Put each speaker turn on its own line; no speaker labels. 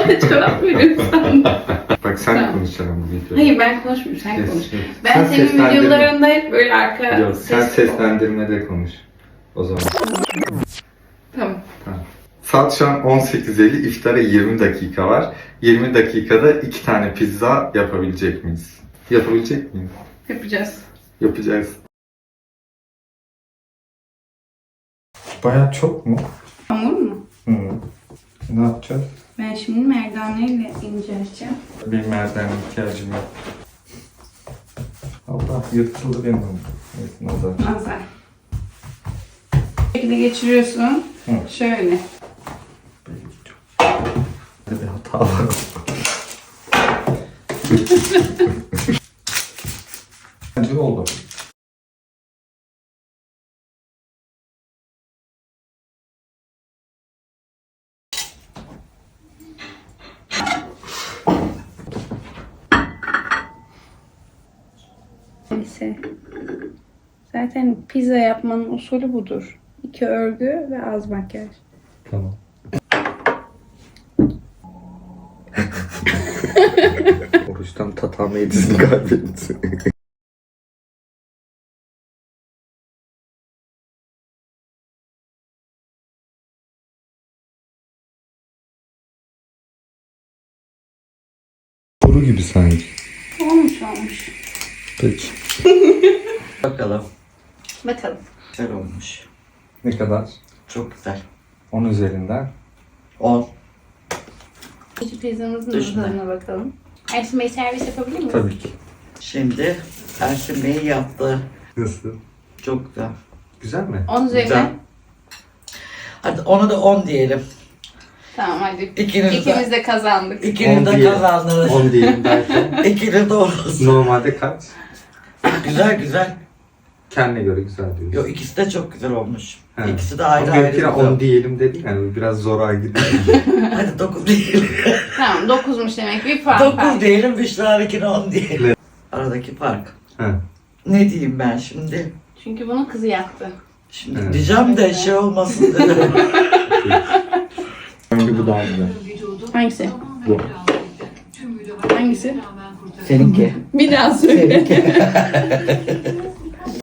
bana cevap veriyorsun.
Bak sen
Tamam.
konuşacaksın bu videoda.
Hayır ben konuşmuyorum, sen
Yes,
konuş.
yes.
Ben
Sen
senin
seslendirme.
videolarında hep böyle arka
Yok, sen
ses...
seslendirmede konuş. O zaman.
Tamam.
Tamam. Saat şu an 18.50, iftara 20 dakika var. 20 dakikada 2 tane pizza yapabilecek miyiz? Yapabilecek miyiz?
Yapacağız.
Yapacağız. Bayağı çok mu?
Hamur mu?
Hı. Ne yapacağız?
Ben şimdi merdaneyle inceleyeceğim.
Bir merdiven ihtiyacım yok. Allah yırtıldı benim. Evet, nazar.
Nazar. Bu şekilde geçiriyorsun.
Hı.
Şöyle.
Burada bir hata var. Bence oldu.
Neyse. Zaten pizza yapmanın usulü budur. 2 örgü ve az makyaj.
Tamam. Oruçtan tatama yedisini kaybettin. Soru gibi sanki.
Olmuş.
Peki.
Bakalım.
Bakalım.
Güzel olmuş.
Ne kadar?
Çok güzel.
10 üzerinden.
10.
Şu pizzamızın
Düşünme.
tadına bakalım. Ersin Bey servis yapabilir miyim?
Tabii ki.
Şimdi Ersin Bey yaptı.
Nasıl?
Çok güzel.
Güzel mi?
10 üzerinden.
Güzel. Hadi ona da 10 diyelim.
Tamam hadi.
İkiniz de-
İkimiz de kazandık.
İkiniz
10
de
diyelim.
kazandınız.
10 diyelim derken.
İkiniz de olsun.
Normalde kaç?
Güzel güzel.
Kendine göre güzel diyorsun.
Yo ikisi de çok güzel olmuş.
He.
İkisi de ayrı
Ama
ayrı
benimkine
güzel.
10 diyelim dedi yani biraz zora gidiyor.
Hadi 9 diyelim.
Tamam 9'muş demek. Bir puan
9
fark.
diyelim, Büşra'nınkine 10 diyelim.
Evet.
Aradaki fark.
He.
Ne diyeyim ben şimdi?
Çünkü bunun kızı yaktı.
Şimdi
Evet.
diyeceğim de şey olmasın dedim.
Bence bu daha güzel.
Hangisi?
Bu.
Hangisi?
Seninki.
Bir daha söyle.